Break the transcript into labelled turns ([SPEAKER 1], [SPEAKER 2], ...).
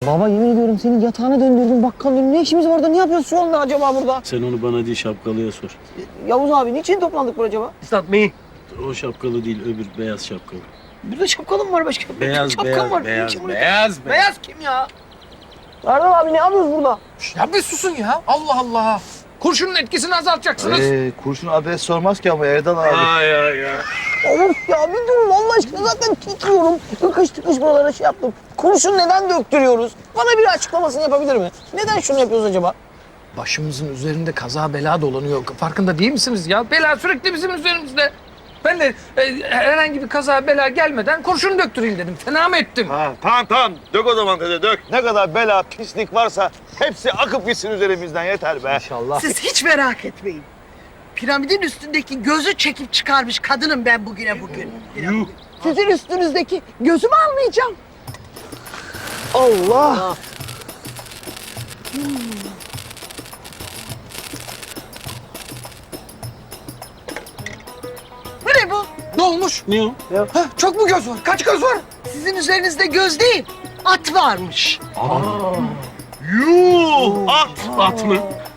[SPEAKER 1] Baba yemin ediyorum senin yatağını döndürdüm bakkalın önüne. Ne işimiz var da ne yapıyoruz şu anda acaba burada?
[SPEAKER 2] Sen onu bana değil şapkalıya sor.
[SPEAKER 1] Yavuz abi niçin toplandık burada acaba?
[SPEAKER 3] It's me.
[SPEAKER 2] O şapkalı değil öbür beyaz şapkalı.
[SPEAKER 1] Burada şapkalı mı var başka?
[SPEAKER 2] Beyaz,
[SPEAKER 1] Şapka
[SPEAKER 2] beyaz,
[SPEAKER 1] mı var?
[SPEAKER 2] beyaz,
[SPEAKER 1] Niçin buraya-
[SPEAKER 2] beyaz,
[SPEAKER 1] Beyaz kim ya? Erdal abi ne yapıyoruz burada?
[SPEAKER 3] Ya bir susun ya. Allah Allah. Kurşunun etkisini azaltacaksınız.
[SPEAKER 4] Kurşun adres sormaz ki ama Erdal abi.
[SPEAKER 2] Ay ay ya.
[SPEAKER 1] Of ya bir durun Allah aşkına zaten titriyorum. Tıkış tıkış buralara şey yaptım. Kurşun neden döktürüyoruz? Bana bir açıklamasını yapabilir mi? Neden şunu yapıyoruz acaba?
[SPEAKER 3] Başımızın üzerinde kaza bela dolanıyor. Farkında değil misiniz ya? Bela sürekli bizim üzerimizde. Ben de herhangi bir kaza bela gelmeden kurşun döktüreyim dedim. Fena mı ettim?
[SPEAKER 4] Ha, tamam. Dök o zaman dede dök. Ne kadar bela, pislik varsa hepsi akıp gitsin üzerimizden yeter be.
[SPEAKER 3] İnşallah.
[SPEAKER 5] Siz hiç merak etmeyin. Piramidin üstündeki gözü çekip çıkarmış kadınım ben bugüne bugün. Sizin üstünüzdeki gözümü almayacağım.
[SPEAKER 1] Allah!
[SPEAKER 5] Bu ne bu?
[SPEAKER 3] Ne olmuş?
[SPEAKER 2] Ne o?
[SPEAKER 3] Ha, çok mu göz var? Kaç göz var?
[SPEAKER 5] Sizin üzerinizde göz değil, at varmış.
[SPEAKER 4] Yuh! At!
[SPEAKER 2] At mı?